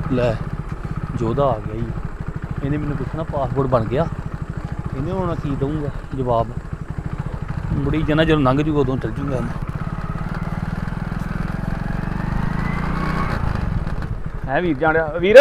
ਲੈ ਜੋਧਾ ਆ ਗਿਆ ਜੀ। ਇਹਨੇ ਮੈਨੂੰ ਪੁੱਛਣਾ ਪਾਸਪੋਰਟ ਬਣ ਗਿਆ, ਇਹਨੇ ਹੁਣ ਕੀ ਦਊਂਗਾ ਜਵਾਬ। ਮੁੜੀ ਜਾਣਾ ਜਦੋਂ ਲੰਘ ਜੂਗਾ ਉਦੋਂ ਚੱਲ ਜੂਗਾ। ਹੈ ਵੀਰ ਜਾਣਿਆ ਵੀਰ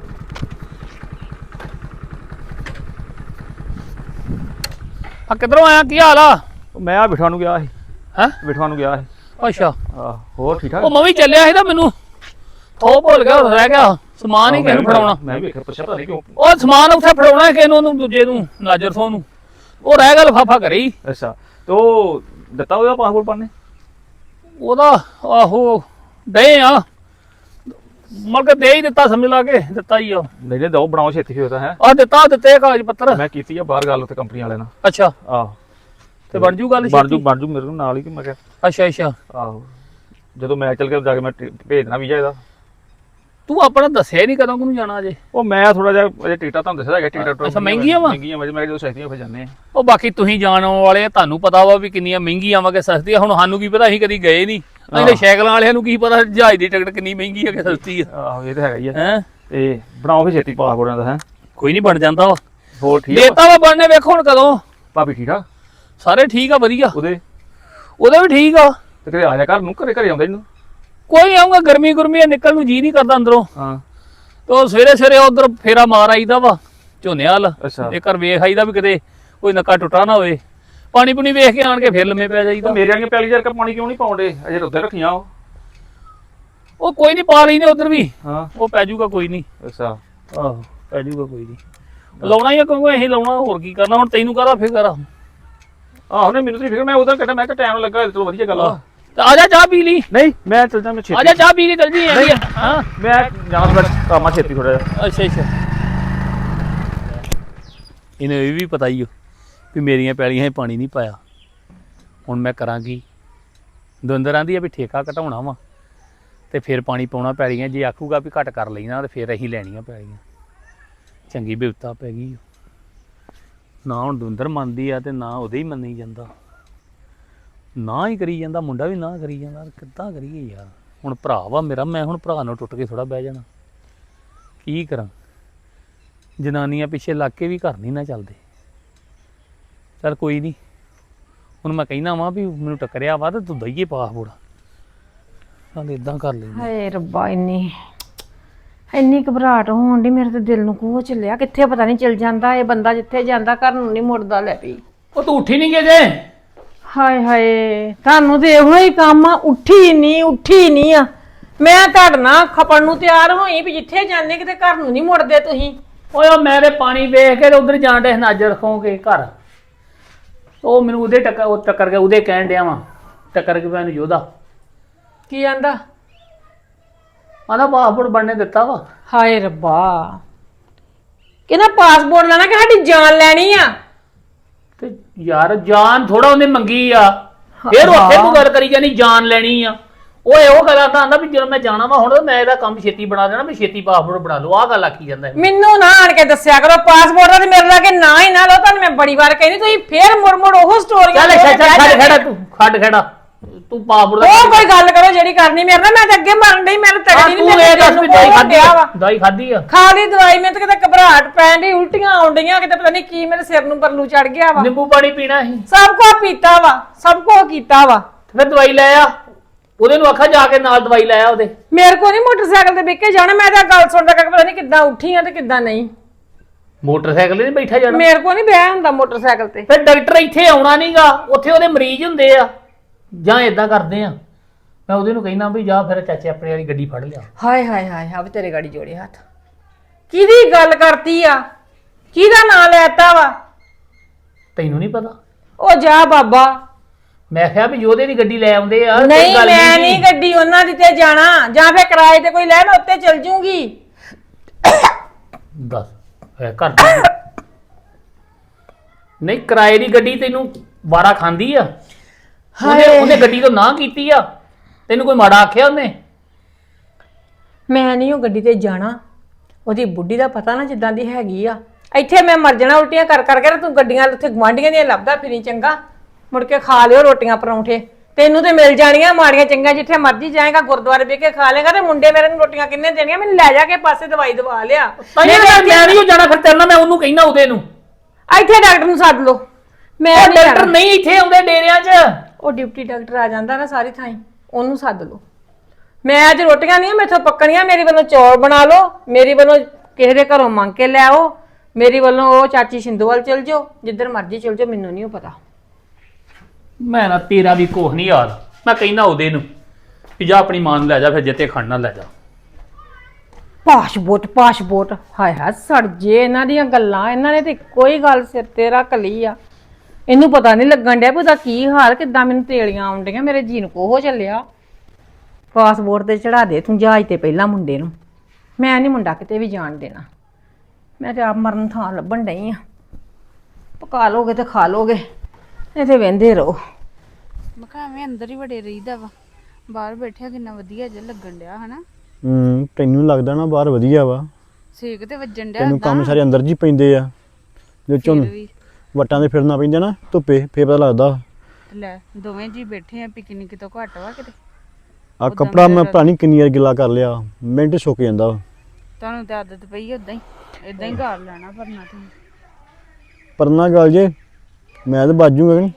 ਆ ਕਿੱਧਰੋਂ ਆਇਆ, ਕੀ ਹਾਲ ਆ? ਮੈਂ ਆ ਬਿਠਵਾ ਨੂੰ ਗਿਆ ਸੀ। ਹੈਂ? ਬਿਠਵਾ ਨੂੰ ਗਿਆ ਸੀ। ਅੱਛਾ, ਆਹ ਹੋਰ ਠੀਕ ਠਾਕ? ਉਹ ਮੈਂ ਵੀ ਚੱਲਿਆ ਸੀ ਤਾਂ ਮੈਨੂੰ ਥੋ ਭੁੱਲ ਗਿਆ, ਰਹਿ ਗਿਆ ਸਮਾਨ ਹੀ ਕਿਸੇ ਨੂੰ ਫੜਾਉਣਾ। ਮੈਂ ਵੀ ਵੇਖਿਆ, ਪੁੱਛਿਆ ਪਤਾ ਨਹੀਂ ਕਿਉਂ। ਉਹ ਸਮਾਨ ਉੱਥੇ ਫੜਾਉਣਾ ਕਿਸੇ ਨੂੰ, ਉਹਨੂੰ ਦੂਜੇ ਨੂੰ, ਨਾਜਰ ਸੋਹ ਨੂੰ। ਉਹ ਰਹਿ ਗਿਆ ਲਿਫਾਫਾ ਘਰੇ ਹੀ। ਅੱਛਾ ਤੇ ਉਹ ਦਿੱਤਾ ਉਹਦਾ ਪਾਸਪੋਰਟ ਪਾਣੇ ਉਹਦਾ ਆਹੋ ਦੇ ਆ ਮਤਲਬ ਕਿ ਦੇ ਹੀ ਦਿੱਤਾ, ਸਮਝ ਲਾ ਕੇ ਦਿੱਤਾ ਹੀ ਆ। ਨਹੀਂ ਨਹੀਂ ਦੋ ਬਣਾਓ ਛੇਤੀ ਹੋਇਆ ਤਾਂ ਹੈ। ਆ ਦਿੱਤੇ ਕਾਗਜ਼ ਪੱਤਰ। ਮੈਂ ਕੀਤੀ ਆ ਬਾਹਰ ਗੱਲ ਉੱਥੇ ਕੰਪਨੀ ਵਾਲਿਆਂ ਨਾਲ। ਅੱਛਾ, ਆਹੋ ਤੇ ਬਣ ਜੂ ਗੱਲ? ਬਣ ਜੂ ਮੇਰੇ ਨਾਲ ਹੀ ਕਿ ਮੈਂ ਕਿਹਾ। ਅੱਛਾ ਅੱਛਾ, ਆਹੋ ਜਦੋਂ ਮੈਂ ਚੱਲ ਕੇ ਜਾ ਕੇ ਮੈਂ ਭੇਜਣਾ ਵੀਜ਼ਾ ਇਹਦਾ। ਤੂੰ ਆਪਣਾ ਦੱਸਿਆ ਨਹੀਂ ਕਦੋਂ ਨੂੰ ਜਾਣਾ ਅਜੇ? ਉਹ ਮੈਂ ਥੋੜਾ ਜਿਹਾ ਅਜੇ ਟਿਕਟਾਂ ਤੁਹਾਨੂੰ ਦੱਸਿਆ ਹੈਗਾ, ਟਿਕਟਾਂ ਅੱਛਾ ਮਹਿੰਗੀਆਂ ਵਾ? ਮਹਿੰਗੀਆਂ ਮੈਂ ਜਦੋਂ ਸਸਤੀਆਂ ਫਿਰ ਜਾਂਦੇ ਆ। ਉਹ ਬਾਕੀ ਤੁਸੀਂ ਜਾਣ ਵਾਲੇ ਤੁਹਾਨੂੰ ਪਤਾ ਵਾ ਵੀ ਕਿੰਨੀਆਂ ਮਹਿੰਗੀਆਂ ਵਾ ਕਿ ਸਸਤੀਆਂ। ਹੁਣ ਸਾਨੂੰ ਕੀ ਪਤਾ, ਅਸੀਂ ਕਦੀ ਗਏ ਨਹੀਂ। ਅਸੀਂ ਸਾਈਕਲਾਂ ਵਾਲਿਆਂ ਨੂੰ ਕੀ ਪਤਾ ਜਹਾਜ਼ ਦੀ ਟਿਕਟ ਕਿੰਨੀ ਮਹਿੰਗੀ ਆ ਕਿ ਸਸਤੀ ਆ। ਆਹੋ ਇਹ ਤਾਂ ਹੈਗਾ ਹੀ ਆ। ਹੈ ਤੇ ਬਣਾਓ ਫਿਰ ਛੇਤੀ ਪਾਸਪੋਰਟਾਂ ਦਾ। ਹੈ ਕੋਈ ਨਹੀਂ, ਬਣ ਜਾਂਦਾ ਵਾ। ਹੋਰ ਠੀਕ ਆ? ਦੇਤਾ ਵਾ ਬਣਨੇ, ਵੇਖੋ ਹੁਣ ਕਦੋਂ। ਭਾਬੀ ਠੀਕ ਆ? ਸਾਰੇ ਠੀਕ ਆ, ਵਧੀਆ। ਉਹਦੇ ਵੀ ਠੀਕ ਆ। ਤੇ ਘਰੇ ਆ ਜਾ ਘਰ ਨੂੰ, ਘਰੇ ਆਉਂਦਾ ਇਹਨੂੰ। ਕੋਈ ਆਉਂਗਾ, ਗਰਮੀ ਨਿਕਲ ਨੂੰ ਜੀ ਨਹੀਂ ਕਰਦਾ ਅੰਦਰੋਂ। ਹਾਂ ਤੇ ਸਵੇਰੇ ਉਧਰ ਫੇਰਾ ਮਾਰ ਆਈਦਾ ਵਾ ਝੋਨੇ ਵਾਲ। ਅੱਛਾ, ਇਹ ਘਰ ਵੇਖ ਆਈਦਾ ਵੀ ਕਿਤੇ ਕੋਈ ਨੱਕਾ ਟੁੱਟਾ ਨਾ ਹੋਵੇ। ਪਾਣੀ ਪੁਣੀ ਵੇਖ ਕੇ ਆਣ ਕੇ ਫਿਰ ਲੰਮੇ ਪੈ ਜਾਈਦਾ। ਮੇਰੇ ਵਾਲੀਆਂ ਪੈਲੀ ਜਰ ਪਾਣੀ ਕਿਉਂ ਨਹੀਂ ਪਾਉਂਦੇ ਅਜੇ? ਉੱਧਰ ਰੱਖੀਆਂ ਉਹ ਕੋਈ ਨਹੀਂ, ਪਾ ਲੈਨੇ ਉਧਰ ਵੀ। ਹਾਂ ਉਹ ਪੈ ਜਾਊਗਾ ਕੋਈ ਨਹੀਂ। ਅੱਛਾ ਆਹੋ ਪੈ ਜਾਊਗਾ ਕੋਈ ਨਹੀਂ। ਲਾਉਣਾ ਹੀ ਆ ਕਿਉਂਕਿ ਅਸੀਂ ਲਾਉਣਾ, ਹੋਰ ਕੀ ਕਰਨਾ। ਹੁਣ ਤੈਨੂੰ ਕਾਹਦਾ ਫਿਕਰ ਆ? ਆਹੋ ਨਹੀਂ ਮੈਨੂੰ ਤਾਂ ਫਿਕਰ, ਮੈਂ ਉਧਰ ਕੱਢਿਆ, ਮੈਂ ਕਿਹਾ ਟਾਈਮ ਲੱਗਾ, ਚਲੋ ਵਧੀਆ ਗੱਲ ਆ। ਤੇ ਆ ਜਾ ਚਾਹ ਪੀ ਲਈ। ਨਹੀਂ ਮੈਂ ਚੱਲ ਜਾ, ਮੈਂ ਛੇਤੀ ਆ ਜਾ ਚਾਹ ਪੀ ਲਈ, ਚੱਲ ਜੀ। ਹਾਂ ਮੈਂ ਜਾਣਾ ਥੋੜਾ ਕੰਮ ਆ ਛੇਤੀ ਥੋੜਾ ਜਿਹਾ। ਅੱਛਾ ਅੱਛਾ, ਇਹਨੂੰ ਇਹ ਵੀ ਪਤਾ ਹੀ ਹੋ ਵੀ ਮੇਰੀਆਂ ਪੈਲੀਆਂ 'ਚ ਪਾਣੀ ਨਹੀਂ ਪਾਇਆ। ਹੁਣ ਮੈਂ ਕਰਾਂਗੀ। ਦਵਿੰਦਰ ਆਂਦੀ ਆ ਵੀ ਠੇਕਾ ਘਟਾਉਣਾ ਵਾ ਤੇ ਫਿਰ ਪਾਣੀ ਪਾਉਣਾ ਪੈਲੀਆਂ। ਜੇ ਆਖੂਗਾ ਵੀ ਘੱਟ ਕਰ ਲੈਣਾ ਤੇ ਫਿਰ ਅਸੀਂ ਲੈਣੀਆਂ ਪੈਲੀਆਂ। ਚੰਗੀ ਬਿਪਤਾ ਪੈ ਗਈ ਨਾ। ਹੁਣ ਦਵਿੰਦਰ ਮੰਨਦੀ ਆ ਤੇ ਨਾ ਉਹਦੇ ਹੀ ਮੰਨੀ ਜਾਂਦਾ, ਨਾ ਹੀ ਕਰੀ ਜਾਂਦਾ। ਮੁੰਡਾ ਵੀ ਨਾ ਕਰੀ ਜਾਂਦਾ। ਕਿੱਦਾਂ ਕਰੀਏ ਯਾਰ? ਹੁਣ ਭਰਾ ਵਾ ਮੇਰਾ, ਮੈਂ ਹੁਣ ਭਰਾ ਨੂੰ ਟੁੱਟ ਕੇ ਥੋੜਾ ਬਹਿ ਜਾਣਾ। ਕੀ ਕਰਾਂ? ਜਨਾਨੀਆਂ ਪਿੱਛੇ ਲੱਗ ਕੇ ਵੀ ਘਰ ਨਹੀਂ ਨਾ ਚੱਲਦੇ। ਚੱਲ ਕੋਈ ਨਹੀਂ, ਹੁਣ ਮੈਂ ਕਹਿਣਾ ਵਾ ਵੀ ਮੈਨੂੰ ਟੱਕਰਿਆ ਵਾ ਤੇ ਤੂੰ ਦਈਏ ਪਾਸਪੋਰਟ। ਚੱਲ ਇਦਾਂ ਕਰ ਲੈਂਦੇ। ਹਾਏ ਰੱਬਾ, ਇੰਨੀ ਘਬਰਾਹਟ ਹੋਣ ਦੀ, ਮੇਰੇ ਤੇ ਦਿਲ ਨੂੰ ਕੋਹ ਚੱਲਿਆ। ਕਿੱਥੇ ਪਤਾ ਨਹੀਂ ਚਲ ਜਾਂਦਾ ਇਹ ਬੰਦਾ, ਜਿੱਥੇ ਜਾਂਦਾ ਘਰ ਨੂੰ ਨਹੀਂ ਮੁੜਦਾ। ਲੈ ਵੀ ਉਹ ਤੂੰ ਉੱਠੀ ਨਹੀਂ ਗਏ ਜੇ? ਹਾਏ ਹਾਏ, ਤੁਹਾਨੂੰ ਤੇ ਇਹੋ ਹੀ ਕੰਮ ਆ, ਉੱਠੀ ਨਹੀਂ ਆ। ਮੈਂ ਤੁਹਾਡੇ ਨਾਲ ਖਪਣ ਨੂੰ ਤਿਆਰ ਹੋਈ ਵੀ ਜਿੱਥੇ ਜਾਂਦੇ ਕਿਤੇ ਘਰ ਨੂੰ ਨਹੀਂ ਮੁੜਦੇ ਤੁਸੀਂ। ਓਏ ਮੈਂ ਤੇ ਪਾਣੀ ਵੇਖ ਕੇ ਉਧਰ ਜਾਣ ਡੇ ਨਜ਼ਰ ਰੱਖੋਗੇ ਘਰ। ਉਹ ਮੈਨੂੰ ਉਹਦੇ ਟੱਕਰ ਕੇ ਉਹਦੇ ਕਹਿਣ ਡਿਆ ਵਾ, ਟੱਕਰ ਕੇ ਮੈਨੂੰ ਜੋਧਾ ਕੀ ਆਂਦਾ? ਆਂਦਾ ਪਾਸਪੋਰਟ ਬਣਨੇ ਦਿੱਤਾ ਵਾ। ਹਾਏ ਰੱਬਾ, ਕਹਿੰਦਾ ਪਾਸਪੋਰਟ ਲੈਣਾ ਕਿ ਸਾਡੀ ਜਾਨ ਲੈਣੀ ਆ? ਤੇ ਯਾਰ ਜਾਨ ਥੋੜਾ ਉਹਨੇ ਮੰਗੀ ਆ, ਫਿਰ ਉੱਥੇ ਤੂੰ ਗੱਲ ਕਰੀ ਜਾਨੀ ਜਾਨ ਲੈਣੀ ਆ। ਉਹ ਇਹੋ ਗੱਲ ਆਂਦਾ ਵੀ ਜਦੋਂ ਮੈਂ ਜਾਣਾ ਵਾ ਹੁਣ ਮੈਂ ਇਹਦਾ ਕੰਮ ਛੇਤੀ ਬਣਾ ਦੇਣਾ, ਵੀ ਛੇਤੀ ਪਾਸਪੋਰਟ ਬਣਾ ਲਓ। ਆਹ ਗੱਲ ਆਖੀ ਜਾਂਦਾ। ਮੈਨੂੰ ਨਾ ਆਣ ਕੇ ਦੱਸਿਆ ਕਰੋ ਪਾਸਪੋਰਟ ਦਾ, ਤੇ ਮੇਰੇ ਲਾਗੇ ਨਾ ਹੀ ਨਾ ਲਓ। ਤੁਹਾਨੂੰ ਮੈਂ ਬੜੀ ਵਾਰ ਕਹਿੰਦੀ, ਤੁਸੀਂ ਫੇਰ ਮੁੜ ਉਹ ਸਟੋਰੀਆਂ। ਖੜ ਖੜਾ ਤੂੰ ਪਾਸਪੋਰਟ ਦਾ ਉਹ ਕੋਈ ਗੱਲ ਕਰੋ ਜਿਹੜੀ ਕਰਨੀ ਮੇਰੇ ਨਾਲ। ਮੈਂ ਤਾਂ ਅੱਗੇ ਮਰਨ ਡਈ, ਮੈਨੂੰ ਤਗੜੀ ਨਹੀਂ। ਇਹ ਦੱਸ ਵੀ ਦਵਾਈ ਖਾਧੀ ਆ? ਦਵਾਈ ਖਾਧੀ ਆ? ਖਾ ਲਈ ਦਵਾਈ। ਮੈਨੂੰ ਤਾਂ ਕਿਤੇ ਘਬਰਾਹਟ ਪੈਣ ਡਈ, ਉਲਟੀਆਂ ਆਉਣ ਡਈਆਂ, ਕਿਤੇ ਪਤਾ ਨਹੀਂ ਕੀ ਮੇਰੇ ਸਿਰ ਨੂੰ ਪਰਲੂ ਚੜ ਗਿਆ ਵਾ। ਨਿੰਬੂ ਪਾਣੀ ਪੀਣਾ ਸੀ? ਸਭ ਕੁਝ ਪੀਤਾ ਵਾ, ਸਭ ਕੁਝ ਕੀਤਾ ਵਾ। ਫਿਰ ਦਵਾਈ ਲੈ ਆ। ਉਹਦੇ ਨੂੰ ਆਖਾ ਜਾ ਕੇ ਨਾਲ ਦਵਾਈ ਲੈ ਆ ਉਹਦੇ। ਮੇਰੇ ਕੋ ਨਹੀਂ ਮੋਟਰਸਾਈਕਲ ਤੇ ਬਹਿ ਕੇ ਜਾਣਾ। ਮੈਂ ਤਾਂ ਗੱਲ ਸੁਣਦਾ ਕਿ ਪਤਾ ਨਹੀਂ ਕਿੱਦਾਂ ਉੱਠੀ ਆ ਤੇ ਕਿੱਦਾਂ ਨਹੀਂ। ਮੋਟਰਸਾਈਕਲ ਤੇ ਬੈਠਾ ਜਾਣਾ? ਮੇਰੇ ਕੋ ਨਹੀਂ ਬਹਿ ਹੁੰਦਾ ਮੋਟਰਸਾਈਕਲ ਤੇ। ਫਿਰ ਡਾਕਟਰ ਇੱਥੇ ਆਉਣਾ ਨਹੀਂਗਾ, ਉੱਥੇ ਉਹਦੇ ਮਰੀਜ਼ ਹੁੰਦੇ ਆ। ਜਾਂ ਇਦਾਂ ਕਰਦੇ ਆ, ਮੈਂ ਉਹਦੇ ਨੂੰ ਕਹਿਣਾ ਵੀ ਜਾ ਫਿਰ ਚਾਚੇ ਆਪਣੇ ਵਾਲੀ ਗੱਡੀ ਫੜ ਲਿਆ। ਹਾਏ ਹਾਏ ਹਾਏ, ਆ ਵੀ ਤੇਰੇ ਗਾੜੀ ਜੋੜੇ ਹੱਥ। ਕਿਹਦੀ ਗੱਲ ਕਰਤੀ ਆ? ਕਿਹਦਾ ਨਾਂ ਲੈਤਾ ਵਾ? ਤੈਨੂੰ ਨਹੀਂ ਪਤਾ? ਉਹ ਜਾ ਬਾਬਾ। ਮੈਂ ਕਿਹਾ ਵੀ ਉਹਦੇ ਦੀ ਗੱਡੀ ਲੈ ਆਉਂਦੇ ਆ। ਨਹੀਂ ਮੈਂ ਨਹੀਂ ਗੱਡੀ ਉਹਨਾਂ ਦੀ ਤੇ ਜਾਣਾ, ਜਾਂ ਫਿਰ ਕਿਰਾਏ ਤੇ ਕੋਈ ਲੈ, ਮੈਂ ਉੱਤੇ ਚਲ ਜੂੰਗੀ। ਦੱਸ ਘਰ ਨਹੀਂ ਕਿਰਾਏ ਦੀ ਗੱਡੀ ਤੈਨੂੰ ਵਾਰਾ ਖਾਂਦੀ ਆ? ਉਹਨੇ ਗੱਡੀ ਤੋਂ ਨਾ ਕੀਤੀ ਆ? ਤੈਨੂੰ ਕੋਈ ਮਾੜਾ ਆਖਿਆ ਉਹਨੇ? ਮੈਂ ਨਹੀਂ ਉਹ ਗੱਡੀ ਤੇ ਜਾਣਾ। ਉਹਦੀ ਬੁੱਢੀ ਦਾ ਪਤਾ ਨਾ ਜਿੱਦਾਂ ਦੀ ਹੈਗੀ ਆ। ਇੱਥੇ ਮੈਂ ਮਰ ਜਾਣਾ ਉਲਟੀਆਂ ਕਰ ਕਰਕੇ। ਤੂੰ ਗੱਡੀਆਂ ਉੱਥੇ ਗੁਆਂਢੀਆਂ ਦੀਆਂ ਲੱਭਦਾ ਫਿਰੀ, ਚੰਗਾ ਮੁੜ ਕੇ ਖਾ ਲਿਓ ਰੋਟੀਆਂ ਪਰੌਂਠੇ। ਤੈਨੂੰ ਤੇ ਮਿਲ ਜਾਣੀਆਂ ਮਾੜੀਆਂ ਚੰਗੀਆਂ, ਜਿੱਥੇ ਮਰਜ਼ੀ ਜਾਏਗਾ ਗੁਰਦੁਆਰੇ ਬਹਿ ਕੇ ਖਾ ਲੇਗਾ, ਤੇ ਮੁੰਡੇ ਮੇਰੇ ਨੂੰ ਰੋਟੀਆਂ ਕਿੰਨੇ ਦੇਣੀਆਂ, ਮੈਨੂੰ ਲੈ ਜਾ ਕੇ ਪਾਸੇ ਦਵਾਈ ਦਵਾ ਲਿਆ। ਮੈਂ ਨਹੀਂ ਜਾਣਾ, ਫਿਰ ਤੇਰੇ ਨਾਲ ਮੈਂ ਉਹਨੂੰ ਕਹਿਣਾ ਉਹਦੇ ਨੂੰ ਇੱਥੇ ਡਾਕਟਰ ਨੂੰ ਸੱਦ ਲਓ, ਮੈਂ ਉਹ ਨਹੀਂ ਡਾਕਟਰ ਜਾਣਾ। ਨਹੀਂ ਇੱਥੇ ਆਉਂਦੇ ਡੇਰਿਆਂ 'ਚ। ਉਹ ਡਿਪਟੀ ਡਾਕਟਰ ਆ ਜਾਂਦਾ ਨਾ ਸਾਰੀ ਥਾਈਂ, ਉਹਨੂੰ ਸੱਦ ਲਓ। ਮੈਂ ਅੱਜ ਰੋਟੀਆਂ ਨਹੀਂ ਮੈਥੋਂ ਪੱਕਣੀਆਂ, ਮੇਰੀ ਵੱਲੋਂ ਚੌਲ ਬਣਾ ਲਓ, ਮੇਰੀ ਵੱਲੋਂ ਕਿਸੇ ਦੇ ਘਰੋਂ ਮੰਗ ਕੇ ਲੈ ਆਓ, ਮੇਰੀ ਵੱਲੋਂ ਉਹ ਚਾਚੀ ਸ਼ਿੰਦੂ ਵੱਲ ਚਲ ਜਾਓ, ਜਿੱਧਰ ਮਰਜ਼ੀ ਚਲ ਜਾਓ, ਮੈਨੂੰ ਨਹੀਂ ਪਤਾ। ਮੈਂ ਨਾ ਤੇਰਾ ਵੀ ਕੁਛ ਨਹੀਂ ਯਾਰ, ਮੈਂ ਕਹਿਣਾ ਉਹਦੇ ਨੂੰ ਵੀ ਜਾ ਆਪਣੀ ਮਾਂ ਨੂੰ ਲੈ ਜਾ, ਫਿਰ ਜਿੱਤੇ ਖੜਨਾ ਲੈ ਜਾ। ਪਾਸਪੋਰਟ ਹਾਏ ਹਾਏ ਸੜ ਜੇ ਇਹਨਾਂ ਦੀਆਂ ਗੱਲਾਂ, ਇਹਨਾਂ ਨੇ ਤੇ ਕੋਈ ਗੱਲ ਸਿਰ ਤੇ ਰੱਖ ਲਈ ਆ। ਇਹਨੂੰ ਪਤਾ ਨਹੀਂ ਲੱਗਣ ਡਿਆ ਵੀ ਉਹਦਾ ਕੀ ਹਾਲ, ਕਿੱਦਾਂ ਮੈਨੂੰ ਤੇਲੀਆਂ ਆਉਣ ਡੀਆਂ, ਮੇਰੇ ਜੀਨ ਕੋ ਹੋ ਚੱਲਿਆ। ਪਾਸਪੋਰਟ ਤੇ ਚੜਾ ਦੇ ਤੂੰ ਜਹਾਜ਼ ਤੇ ਪਹਿਲਾਂ ਮੁੰਡੇ ਨੂੰ, ਮੈਂ ਨਹੀਂ ਮੁੰਡਾ ਕਿਤੇ ਵੀ ਜਾਣ ਦੇਣਾ। ਮੈਂ ਤੇ ਆਪ ਮਰਨ ਥਾਂ ਲੱਭਣ ਡਈ ਆ। ਪਕਾ ਲੋਗੇ ਤੇ ਖਾ ਲੋਗੇ, ਇੱਥੇ ਵਹਿੰਦੇ ਰਹੋ। ਮੈਂ ਕਿਹਾ ਐਵੇਂ ਅੰਦਰ ਹੀ ਵੜੇ ਰਹੀਦਾ ਵਾ, ਬਾਹਰ ਬੈਠਿਆ ਕਿੰਨਾ ਵਧੀਆ ਜਿਹਾ ਲੱਗਣ ਡਿਆ ਹਨਾ। ਤੈਨੂੰ ਲੱਗਦਾ ਨਾ ਬਾਹਰ ਵਧੀਆ ਵਾ, ਸੇਕ ਤੇ ਵੱਜਣ ਡਿਆ ਤੈਨੂੰ ਕੰਮ ਸਾਰੇ ਅੰਦਰ ਜੀ ਪੈਂਦੇ ਆ, ਜੋ ਝੁੰਨ ਵੀ ਵਟਾਂ ਦੇ ਫਿਰਨਾ ਪੈਂਦਾ ਨਾ ਧੁੱਪੇ, ਫੇਰ ਪਤਾ ਲੱਗਦਾ। ਲੈ ਦੋਵੇਂ ਜੀ ਬੈਠੇ ਆ, ਪਿਕਨਿਕ ਤੋਂ ਘੱਟ ਵਾ ਕਿਤੇ। ਆ ਕੱਪੜਾ ਮੈਂ ਪਤਾ ਨੀ ਕਿੰਨੀ ਵਾਰ ਗਿੱਲਾ ਕਰ ਲਿਆ, ਮਿੰਟ ਸੁੱਕ ਜਾਂਦਾ ਵਾ। ਤੁਹਾਨੂੰ ਤਾਂ ਆਦਤ ਪਈ ਉਦਾਂ ਹੀ, ਇਦਾਂ ਹੀ ਘਰ ਲੈਣਾ ਪਰਨਾ ਤੁਸੀਂ। ਪਰਨਾ ਗੱਲ ਜੇ ਮੈਂ ਤਾਂ ਬਾਜੂਗਾ ਨਹੀਂ।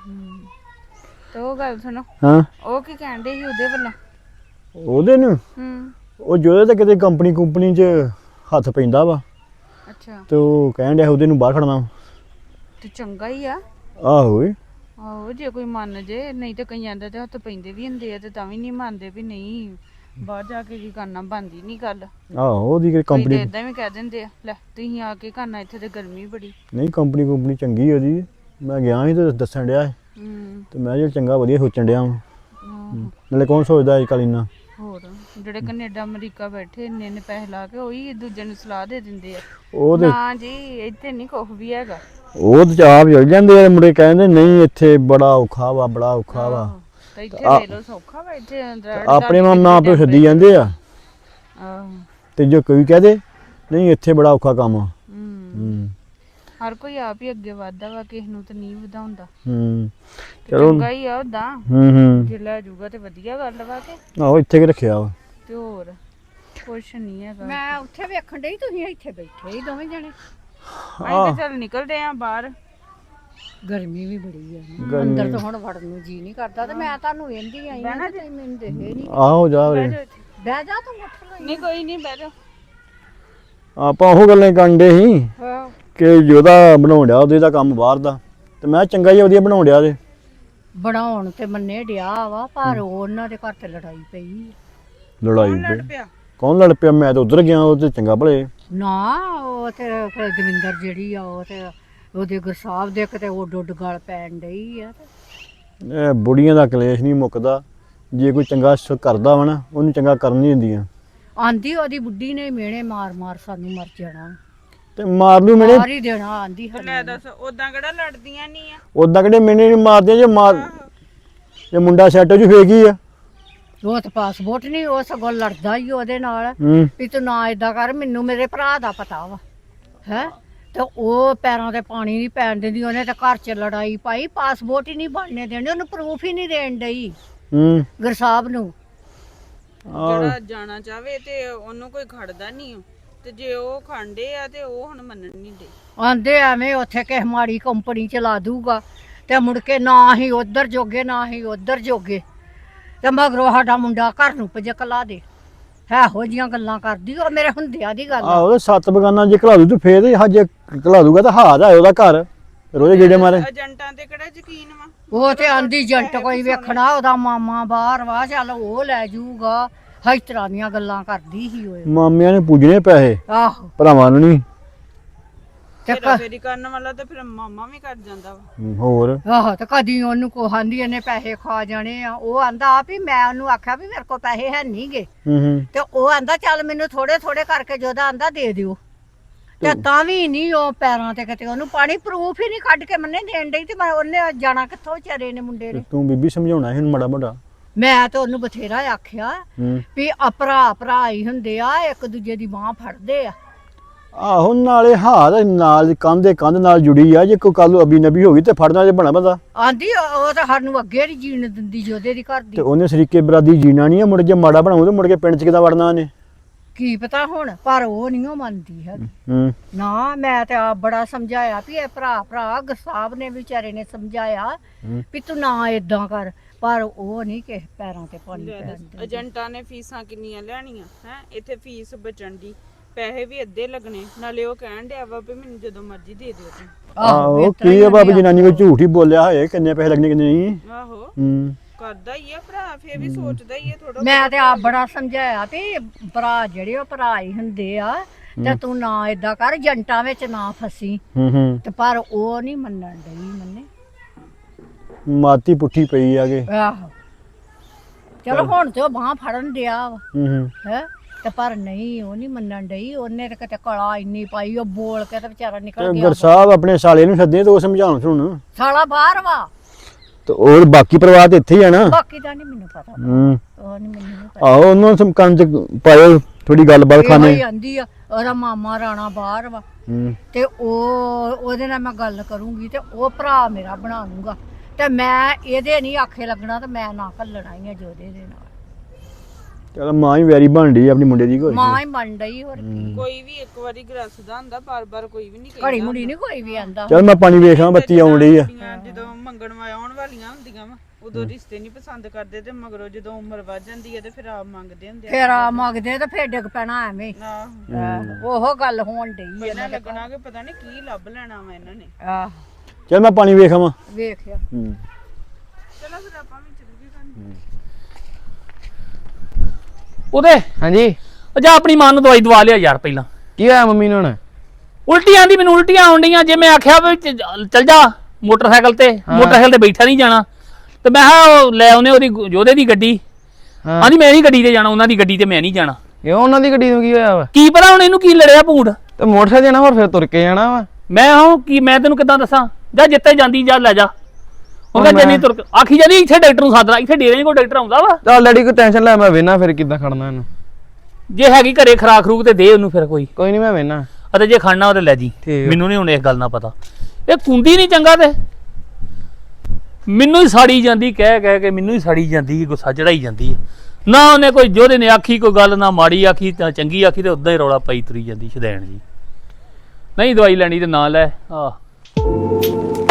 ਤੇ ਉਹ ਗੱਲ ਸੁਣੋ, ਹਾਂ ਉਹ ਕੀ ਕਹਿੰਦੇ ਸੀ ਉਹਦੇ ਵੱਲੋਂ? ਉਹਦੇ ਨੂੰ ਉਹ ਜਿਹਦੇ ਤੇ ਕਿਤੇ ਕੰਪਨੀ 'ਚ ਹੱਥ ਪੈਂਦਾ ਵਾ, ਅੱਛਾ ਤੇ ਉਹ ਕਹਿਣ ਡਿਆ ਉਹਦੇ ਨੂੰ ਬਾਹਰ ਖੜਨਾ। ਤੇ ਚੰਗਾ ਹੀ ਆ। ਆਹੋ ਓਏ, ਆਹੋ ਜੇ ਕੋਈ ਮੰਨ ਜੇ, ਨਹੀਂ ਤਾਂ ਕਈਆਂ ਦਾ ਤੇ ਹੱਥ ਪੈਂਦੇ ਵੀ ਹੁੰਦੇ ਆ, ਤੇ ਤਾਂ ਵੀ ਨਹੀਂ ਮੰਨਦੇ ਵੀ ਨਹੀਂ ਬਾਹਰ ਜਾ ਕੇ ਕੀ ਕਰਨਾ, ਬਣਦੀ ਨਹੀਂ ਗੱਲ। ਆਹੋ ਉਹਦੀ ਕੋਈ ਕੰਪਨੀ ਤੇ ਇਦਾਂ ਵੀ ਕਹਿ ਦਿੰਦੇ ਆ, ਲੈ ਤੁਸੀਂ ਆ ਕੇ ਕਰਨਾ, ਇੱਥੇ ਤੇ ਗਰਮੀ ਬੜੀ। ਨਹੀਂ, ਕੰਪਨੀ ਚੰਗੀ ਉਹਦੀ, ਮੈਂ ਗਿਆ ਸੀ ਤੇ ਦੱਸਣ ਡਿਆ ਸੀ। ਤੇ ਮੈਂ ਜਿਹੜਾ ਚੰਗਾ ਵਧੀਆ ਸੋਚਣ ਡਿਆ ਵਾਂ। ਨਾਲੇ ਕੌਣ ਸੋਚਦਾ ਅੱਜ ਕੱਲ੍ਹ ਇੰਨਾ। ਹੋਰ ਜਿਹੜੇ ਕੈਨੇਡਾ ਅਮਰੀਕਾ ਬੈਠੇ ਇੰਨੇ ਇੰਨੇ ਪੈਸੇ ਲਾ ਕੇ ਉਹੀ ਦੂਜੇ ਨੂੰ ਸਲਾਹ ਦੇ ਦਿੰਦੇ ਆ। ਉਹ ਤੇ ਨਾ ਜੀ ਇੱਥੇ ਨਹੀਂ ਕੁਛ ਵੀ ਹੈਗਾ। ਉਹ ਤੇ ਆਪ ਚਲ ਜਾਂਦੇ ਆ ਮੁੰਡੇ, ਕਹਿੰਦੇ ਨਹੀਂ ਇੱਥੇ ਬੜਾ ਔਖਾ ਵਾ, ਬੜਾ ਔਖਾ ਵਾ। ਤੇ ਇੱਥੇ ਲੈ ਲਓ ਸੌਖਾ ਵਾ, ਇੱਥੇ ਆਪਣੇ ਮਾਂ ਪਿਓ ਸੱਦੀ ਜਾਂਦੇ ਆ, ਆਹੋ ਤੇ ਜੋ ਕੋਈ ਕਹਦੇ ਨਹੀਂ ਇੱਥੇ ਬੜਾ ਔਖਾ ਕੰਮ ਆ। ਹਰ ਕੋਈ ਆਪ ਹੀ ਅੱਗੇ ਵਧਦਾ ਵਾ, ਕਿਸੇ ਨੂੰ ਤਾਂ ਨਹੀਂ ਵਧਾਉਂਦਾ। ਚਲੋ ਚੰਗਾ ਹੀ ਆ ਉਦਾਂ, ਜੇ ਲੈ ਜਾਊਗਾ ਤੇ ਵਧੀਆ ਗੱਲ ਵਾ ਕੇ। ਆਹੋ ਇੱਥੇ ਕਿ ਰੱਖਿਆ ਵਾ। ਤੇ ਹੋਰ ਕੁਛ ਨਹੀਂ ਹੈਗਾ। ਮੈਂ ਉੱਥੇ ਵੇਖਣ ਡਈ, ਤੁਸੀਂ ਇੱਥੇ ਬੈਠੇ ਹੀ ਦੋਵੇਂ ਜਣੇ। ਅਸੀਂ ਤਾਂ ਚੱਲ ਨਿਕਲਦੇ ਆ ਬਾਹਰ। ਗਰਮੀ ਵੀ ਬੜੀ ਆ, ਅੰਦਰ ਤਾਂ ਹੁਣ ਵੜਨ ਨੂੰ ਜੀ ਨਹੀਂ ਕਰਦਾ, ਤੇ ਮੈਂ ਤੁਹਾਨੂੰ ਵੇਂਦੀ ਆਈ ਹਾਂ ਤੇ ਮੈਨੂੰ ਦੇਖੇ ਨਹੀਂ। ਆਹੋ ਜਾ ਵੇ, ਬਹਿ ਜਾ ਤੂੰ, ਉੱਠ ਲੋ। ਨਹੀਂ ਕੋਈ ਨਹੀਂ ਬਹਿ ਜਾ। ਆਪਾਂ ਉਹ ਗੱਲਾਂ ਕਰਦੇ ਸੀ ਹਾਂ ਕਿ ਜਿਹਦਾ ਬਣਾਉਣ ਡਿਆ ਉਹਦੇ ਦਾ ਕੰਮ ਬਾਹਰ ਦਾ, ਤੇ ਮੈਂ ਚੰਗਾ ਹੀ ਵਧੀਆ ਬਣਾਉਣ ਡਿਆ ਤੇ ਬਣਾਉਣ ਤੇ ਮੰਨੇ ਡਿਆ ਵਾ, ਪਰ ਉਹਨਾਂ ਦੇ ਘਰ ਤੇ ਲੜਾਈ ਪਈ। ਲੜਾਈ ਪਈ। ਕੌਣ ਲੜ ਪਿਆ? ਮੈਂ ਤਾਂ ਉਧਰ ਗਿਆ, ਉਹ ਤੇ ਚੰਗਾ ਭਲੇ। ਨਾ ਉਹ ਤੇ ਫਿਰ ਦਵਿੰਦਰ ਜਿਹੜੀ ਆ, ਉਹ ਤੇ ਉਹਦੇ ਗੁਰਸਾਹਿਬ ਦੇ ਕਿਤੇ ਉੱਡ ਉੱਡ ਗਲ ਪੈਣ ਡਈ ਆ। ਇਹ ਬੁੜੀਆਂ ਦਾ ਕਲੇਸ਼ ਨਹੀਂ ਮੁੱਕਦਾ, ਜੇ ਕੋਈ ਚੰਗਾ ਕਰਦਾ ਵਾ ਨਾ ਉਹਨੂੰ ਚੰਗਾ ਕਰਨ ਨਹੀਂ ਦਿੰਦੀਆਂ। ਆਂਦੀ ਉਹਦੀ ਬੁੱਢੀ ਨੇ ਮਿਹਣੇ ਮਾਰ ਮਾਰ ਸਾਨੂੰ ਮਰ ਜਾਣਾ, ਤੇ ਮਾਰ ਲੂ ਮੇਰੇ ਮਾਰ ਹੀ ਦੇਣਾ। ਆਂਦੀ ਲੈ ਦੱਸ ਉਦਾਂ ਕਿਹੜਾ ਲੜਦੀਆਂ ਨਹੀਂ ਆ। ਉਦਾਂ ਕਿਹੜੇ ਮੈਨੇ ਨਹੀਂ ਮਾਰਦੇ, ਜੇ ਮੁੰਡਾ ਸੈੱਟ ਹੋ ਜੂ ਫੇਕ ਹੀ ਆ। ਉਹ ਤਾਂ ਪਾਸਪੋਰਟ ਨਹੀਂ, ਉਹ ਸਗੋਂ ਲੜਦਾ ਹੀ ਉਹਦੇ ਨਾਲ ਵੀ ਤੂੰ ਨਾ ਏਦਾਂ ਕਰ, ਮੈਨੂੰ ਮੇਰੇ ਭਰਾ ਦਾ ਪਤਾ ਵਾ ਹੈ। ਤੇ ਉਹ ਪੈਰਾਂ ਤੇ ਪਾਣੀ ਨਹੀਂ ਪੈਣ ਦਿੰਦੀ, ਉਹਨੇ ਤਾਂ ਘਰ 'ਚ ਲੜਾਈ ਪਾਈ, ਪਾਸਪੋਰਟ ਹੀ ਨਹੀਂ ਬਣਨੇ ਦੇਣੇ, ਉਹਨੂੰ ਪ੍ਰੂਫ ਹੀ ਨਹੀਂ ਦੇਣ ਡਈ ਗੁਰਸਾਹਿਬ ਨੂੰ। ਜਿਹੜਾ ਜਾਣਾ ਚਾਹਵੇ ਤੇ ਉਹਨੂੰ ਕੋਈ ਖੜਦਾ ਨਹੀਂ, ਤੇ ਜੇ ਉਹ ਖਾਂਦੇ ਆ ਤੇ ਉਹ ਹੁਣ ਮੰਨਣ ਨਹੀਂ ਦੇ। ਆਂਦੇ ਐਵੇਂ ਉੱਥੇ ਕਿਸੇ ਮਾੜੀ ਕੰਪਨੀ ਚ ਲਾ ਦੂਗਾ, ਤੇ ਮੁੜ ਕੇ ਨਾ ਹੀ ਉਧਰ ਜੋਗੇ ਨਾ ਹੀ ਉਧਰ ਜੋਗੇ, ਤੇ ਮਗਰੋਂ ਸਾਡਾ ਮੁੰਡਾ ਘਰ ਨੂੰ ਪਜਕਲਾ ਦੇ। ਇਹੋ ਜੀਆਂ ਗੱਲਾਂ ਕਰਦੀ ਉਹ, ਮੇਰੇ ਹੁੰਦਿਆਂ ਦੀ ਗੱਲ ਆ। ਆਹੋ, ਸੱਤ ਬਗਾਨਾ ਜੇ ਘਲਾ ਦੂ ਤੇ ਫੇਰ ਜੇ ਘਲਾ ਦੂਗਾ ਤਾਂ ਹਾਰ ਆ ਉਹਦਾ ਘਰ, ਰੋਜ਼ ਗੇੜੇ ਮਾਰੇ। ਏਜੰਟਾਂ ਤੇ ਕਿਹੜਾ ਯਕੀਨ ਵਾ? ਉਹ ਤੇ ਆਂਦੀ ਏਜੰਟ ਕੋਈ ਵੇਖਣਾ, ਉਹਦਾ ਮਾਮਾ ਬਾਹਰ ਵਾ, ਚੱਲ ਉਹ ਲੈ ਜਾਊਗਾ। ਇਸ ਤਰ੍ਹਾਂ ਦੀਆਂ ਗੱਲਾਂ ਕਰਦੀ ਸੀ ਉਹ। ਮਾਮਿਆਂ ਨੇ ਪੂਜਣੇ ਪੈਸੇ, ਆਹੋ ਭਰਾਵਾਂ ਨੂੰ ਨਹੀਂ। ਤੇ ਫੇਰੀ ਕਰਨ ਵਾਲਾ ਤੇ ਫਿਰ ਮਾਮਾ ਵੀ ਕਰ ਜਾਂਦਾ ਵਾ। ਹੋਰ ਆਹੋ, ਤੇ ਕਦੀ ਉਹਨੂੰ ਕੋ ਆਂਦੀ ਇਹਨੇ ਪੈਸੇ ਖਾ ਜਾਣੇ ਆ, ਉਹ ਆਂਦਾ ਆ ਵੀ ਮੈਂ ਉਹਨੂੰ ਆਖਿਆ ਵੀ ਮੇਰੇ ਕੋਲ ਪੈਸੇ ਹੈ ਨਹੀਂਗੇ, ਤੇ ਉਹ ਆਂਦਾ ਚੱਲ ਮੈਨੂੰ ਥੋੜੇ ਥੋੜੇ ਕਰਕੇ ਜੋਦਾ ਆਂਦਾ ਦੇ ਦਿਓ, ਤੇ ਤਾਂ ਵੀ ਨਹੀਂ ਉਹ ਪੈਰਾਂ ਤੇ ਕਿਤੇ ਉਹਨੂੰ ਪਾਣੀ ਪ੍ਰੂਫ ਹੀ ਨਹੀਂ ਕੱਢ ਕੇ ਮੰਨੇ ਦੇਣ ਡਈ, ਤੇ ਮੈਂ ਉਹਨੇ ਜਾਣਾ ਕਿੱਥੋਂ ਵਿਚਾਰੇ ਨੇ ਮੁੰਡੇ ਨੇ। ਤੂੰ ਬੀਬੀ ਸਮਝਾਉਣਾ ਸੀ ਮਾੜਾ ਮੋਟਾ। ਮੈਂ ਤਾਂ ਉਹਨੂੰ ਬਥੇਰਾ ਆਖਿਆ ਵੀ ਆ ਭਰਾ ਭਰਾ ਹੀ ਹੁੰਦੇ ਆ, ਇੱਕ ਦੂਜੇ ਦੀ ਬਾਂਹ ਫੜਦੇ ਆ। ਆਹੋ ਨਾਲੇ ਹਾਰ ਨਾਲ ਕੰਧ ਦੇ ਕੰਧ ਨਾਲ ਜੁੜੀ ਆ, ਜੇ ਕੋਈ ਕੱਲ ਅਬੀ ਨਬੀ ਹੋ ਗਈ ਤੇ ਫੜਨਾ ਜੇ ਬਣਾ ਬੰਦਾ। ਆਂਦੀ ਉਹ ਤਾਂ ਸਾਨੂੰ ਅੱਗੇ ਨਹੀਂ ਜੀਣ ਦਿੰਦੀ ਜੋਦੇ ਦੀ ਘਰ ਤੇ ਦੀ। ਉਹਨੇ ਸਰੀਕੇ ਬਰਾਦੀ ਜੀਣਾ ਨਹੀਂ ਆ, ਮੁੜ ਜੇ ਮਾੜਾ ਬਣਾਉ ਤੇ ਮੁੜ ਕੇ ਪਿੰਡ ਚ ਕਿੱਦਾਂ ਵੜਨਾ ਉਹਨੇ। ਕੀ ਪਤਾ ਹੁਣ, ਪਰ ਉਹ ਨਹੀਂ ਉਹ ਮੰਨਦੀ ਹੈ ਹੂੰ ਨਾ। ਮੈਂ ਤੇ ਆਪ ਬੜਾ ਸਮਝਾਇਆ ਵੀ ਇਹ ਭਰਾ ਗਸਾਬ ਨੇ ਵਿਚਾਰੇ ਨੇ ਸਮਝਾਇਆ ਵੀ ਤੂੰ ਨਾ ਇਦਾਂ ਕਰ, ਪਰ ਉਹ ਨਹੀਂ ਕਿਸੇ ਪੈਰਾਂ ਤੇ ਪਾਣੀ ਪੈਣ ਦਿੰਦੀ। ਏਜੰਟਾਂ ਨੇ ਫੀਸਾਂ ਕਿੰਨੀਆਂ ਲੈਣੀਆਂ ਹੈ, ਇੱਥੇ ਫੀਸ ਬਚਣ ਦੀ, ਪੈਸੇ ਵੀ ਅੱਧੇ ਲੱਗਣੇ, ਨਾਲੇ ਉਹ ਕਹਿਣ ਡਿਆ ਵਾ ਵੀ ਮੈਨੂੰ ਜਦੋਂ ਮਰਜ਼ੀ ਦੇ ਦਿਓ ਤੁਸੀਂ। ਆਹੋ ਕੀ ਆ ਬਾਬਾ ਜਨਾਨੀ ਕੋਈ ਝੂਠ ਹੀ ਬੋਲਿਆ ਹੋਏ, ਕਿੰਨੇ ਪੈਸੇ ਲੱਗਣੇ ਕਿੰਨੇ ਨਹੀਂ। ਆਹੋ ਹੂੰ ਕਰਦਾ ਹੀ ਆ ਭਰਾ, ਫੇਰ ਵੀ ਸੋਚਦਾ ਹੀ ਆ ਥੋੜਾ। ਮੈਂ ਤੇ ਆਪ ਬੜਾ ਸਮਝਾਇਆ ਵੀ ਭਰਾ ਜਿਹੜੇ ਉਹ ਭਰਾ ਹੀ ਹੁੰਦੇ ਆ, ਤੇ ਤੂੰ ਨਾ ਇਦਾਂ ਕਰ, ਏਜੰਟਾਂ ਵਿੱਚ ਨਾ ਫਸੀ। ਹੂੰ ਤੇ ਪਰ ਉਹ ਨਹੀਂ ਮੰਨਣ ਡਈ ਮੰਨੇ। ਮਾਤੀ ਪੁੱਠੀ ਪਈ ਆਗੇ। ਆਹੋ ਚਲੋ ਹੁਣ ਤੇ ਉਹ ਬਾਂਹ ਫੜਨ ਡਿਆ ਵਾ ਹੂੰ ਹੈ, ਤੇ ਪਰ ਨਹੀਂ ਉਹ ਨਹੀਂ ਮੰਨਣ ਡਈ। ਉਹਨੇ ਤੇ ਕਿਤੇ ਕਲਾ ਇੰਨੀ ਪਾਈ, ਉਹ ਬੋਲ ਕੇ ਤੇ ਵਿਚਾਰਾ ਨਿਕਲ ਗਿਆ। ਗੁਰਸਾਹਿਬ ਆਪਣੇ ਸਾਲੇ ਨੂੰ ਸੱਦੇ ਤੇ ਉਹ ਸਮਝਾਉਣ ਸੁਣ। ਸਾਲਾ ਬਾਹਰ ਵਾ, ਤੇ ਉਹ ਬਾਕੀ ਪਰਿਵਾਰ ਤੇ ਇੱਥੇ ਹੀ ਆ ਨਾ। ਬਾਕੀ ਦਾ ਨਹੀਂ ਮੈਨੂੰ ਪਤਾ, ਹੂੰ ਉਹ ਨਹੀਂ ਮੈਨੂੰ ਪਤਾ। ਆਹੋ ਉਹਨੂੰ ਕੰਨ ਚ ਪਾਇਓ ਥੋੜੀ ਗੱਲਬਾਤ ਇਹੋ ਹੀ ਖਾਣੇ। ਆਂਦੀ ਆ ਉਹਦਾ ਮਾਮਾ ਰਾਣਾ ਬਾਹਰ ਵਾ, ਹੂੰ ਤੇ ਉਹਦੇ ਨਾਲ ਮੈਂ ਗੱਲ ਕਰੂੰਗੀ ਤੇ ਉਹ ਭਰਾ ਮੇਰਾ ਬਣਾ ਲੂੰਗਾ, ਤੇ ਮੈਂ ਇਹਦੇ ਨਹੀਂ ਆਖੇ ਲੱਗਣਾ, ਤੇ ਮੈਂ ਨਾ ਘੱਲਣਾ ਹੀ ਆ ਜੋਦੇ ਦੇ ਨਾਲ। ਚਲ ਮਾਂ ਹੀ ਵੈਰੀ ਬਣ ਡਈ ਆਪਣੀ ਮੁੰਡੇ ਦੀ ਕੋਈ। ਮਾਂ ਹੀ ਬਣ ਡਈ, ਹੋਰ ਕੀ। ਕੋਈ ਵੀ ਇੱਕ ਵਾਰੀ ਗਰਸਦਾ ਹੁੰਦਾ, ਬਾਰ-ਬਾਰ ਕੋਈ ਵੀ ਨਹੀਂ ਘੜੀ ਮੁੜੀ ਨਹੀਂ ਕੋਈ ਵੀ ਆਂਦਾ। ਚਲ ਮੈਂ ਪਾਣੀ ਵੇਖਾਂ, ਬੱਤੀ ਆਉਣ ਡਈ ਆ। ਜਦੋਂ ਮੰਗਣ ਆਉਣ ਵਾਲੀਆਂ ਹੁੰਦੀਆਂ ਵਾ, ਉਦੋਂ ਰਿਸ਼ਤੇ ਨਹੀਂ ਪਸੰਦ ਕਰਦੇ, ਤੇ ਮਗਰੋਂ ਜਦੋਂ ਉਮਰ ਵੱਧ ਜਾਂਦੀ ਹੈ ਤੇ ਫਿਰ ਆਪ ਮੰਗਦੇ ਹੁੰਦੇ ਆ। ਫੇਰ ਆ ਮੰਗਦੇ ਤੇ ਫੇਰ ਡਿੱਗ ਪੈਣਾ ਐਵੇਂ। ਆਹੋ ਉਹ ਗੱਲ ਹੋਣ ਡਈ ਇਹਨਾਂ ਲੱਗਣਾ ਕਿ ਪਤਾ ਨਹੀਂ ਕੀ ਲੱਭ ਲੈਣਾ ਵਾ ਇਹਨਾਂ ਨੇ। ਆਹ ਚਲ ਮੈਂ ਪਾਣੀ ਵੇਖਾਂ। ਵੇਖਿਆ ਹੂੰ ਚਲੋ ਫਿਰ ਆਪਾਂ ਵੀ ਚੱਲ ਗਏ ਕੰਨ। ਉਹਦੇ ਹਾਂਜੀ ਉਹ ਜਾ ਆਪਣੀ ਮਾਂ ਨੂੰ ਦਵਾਈ ਦਵਾ ਲਿਆ ਯਾਰ ਪਹਿਲਾਂ। ਕੀ ਹੋਇਆ ਮੰਮੀ ਨੂੰ ਹੁਣ? ਉਲਟੀ ਆਂਦੀ, ਮੈਨੂੰ ਉਲਟੀਆਂ ਆਉਣ ਡੀਆਂ। ਜੇ ਮੈਂ ਆਖਿਆ ਵੀ ਚੱਲ ਜਾ ਮੋਟਰਸਾਈਕਲ ਤੇ, ਮੋਟਰਸਾਈਕਲ ਤੇ ਬੈਠਾ ਨਹੀਂ ਜਾਣਾ, ਤੇ ਮੈਂ ਕਿਹਾ ਉਹ ਲੈ ਆਉਨੇ ਉਹਦੀ ਜੋਧੇ ਦੀ ਗੱਡੀ। ਹਾਂ ਆਂਦੀ ਮੈਂ ਨਹੀਂ ਗੱਡੀ ਤੇ ਜਾਣਾ, ਉਹਨਾਂ ਦੀ ਗੱਡੀ ਤੇ ਮੈਂ ਨਹੀਂ ਜਾਣਾ। ਇਹ ਉਹਨਾਂ ਦੀ ਗੱਡੀ ਨੂੰ ਕੀ ਹੋਇਆ ਵਾ? ਕੀ ਪਤਾ ਹੁਣ ਇਹਨੂੰ ਕੀ ਲੜਿਆ ਭੂੰਡ। ਤੇ ਮੋਟਰਸਾਈਕਲ ਜਾਣਾ, ਹੋਰ ਫਿਰ ਤੁਰ ਕੇ ਜਾਣਾ ਵਾ। ਮੈਂ ਹਾਂ ਕੀ ਮੈਂ ਤੈਨੂੰ ਕਿੱਦਾਂ ਦੱਸਾਂ, ਜਾ ਜਿੱਤੇ ਜਾਂਦੀ ਜਾ ਲੈ ਜਾ। ਉਹ ਕਹਿੰਦਾ ਜੰਨੀ ਤੁਰ ਆਖੀ ਜਾਂਦੀ ਇੱਥੇ ਡਾਕਟਰ ਨੂੰ ਸੱਦਣਾ, ਇੱਥੇ ਡੇਰੇ ਕੋਲ ਡਾਕਟਰ ਆਉਂਦਾ ਵਾ। ਚੱਲ ਡੈਡੀ ਕੋਈ ਟੈਨਸ਼ਨ ਲੈ, ਮੈਂ ਵੇਨਾ ਫਿਰ ਕਿੱਦਾਂ ਖੜਨਾ ਇਹਨੂੰ। ਜੇ ਹੈਗੀ ਘਰੇ ਖਰਾਕ ਖਰੂਕ ਤੇ ਦੇ ਉਹਨੂੰ ਫਿਰ ਕੋਈ, ਕੋਈ ਨਹੀਂ ਮੈਂ ਵੇਨਾ। ਅਤੇ ਜੇ ਖੜਨਾ ਉਹ ਤੇ ਲੈ ਜੀ। ਠੀਕ। ਮੈਨੂੰ ਨਹੀਂ ਹੁਣ ਇਸ ਗੱਲ ਦਾ ਪਤਾ, ਇਹ ਕੁੰਦੀ ਨਹੀਂ ਚੰਗਾ, ਤੇ ਮੈਨੂੰ ਹੀ ਸਾੜੀ ਜਾਂਦੀ, ਕਹਿ ਕੇ ਮੈਨੂੰ ਹੀ ਸਾੜੀ ਜਾਂਦੀ, ਗੁੱਸਾ ਚੜਾਈ ਜਾਂਦੀ ਹੈ। ਨਾ ਉਹਨੇ ਕੋਈ ਜੋਧੇ ਨੇ ਆਖੀ ਕੋਈ ਗੱਲ, ਨਾ ਮਾੜੀ ਆਖੀ ਤਾਂ ਚੰਗੀ ਆਖੀ, ਤੇ ਉਦਾਂ ਹੀ ਰੌਲਾ ਪਾਈ ਤੁਰੀ ਜਾਂਦੀ ਸ਼ਦੈਣ ਜੀ। ਨਹੀਂ ਦਵਾਈ ਲੈਣੀ ਤੇ ਨਾ ਲੈ। ਆਹ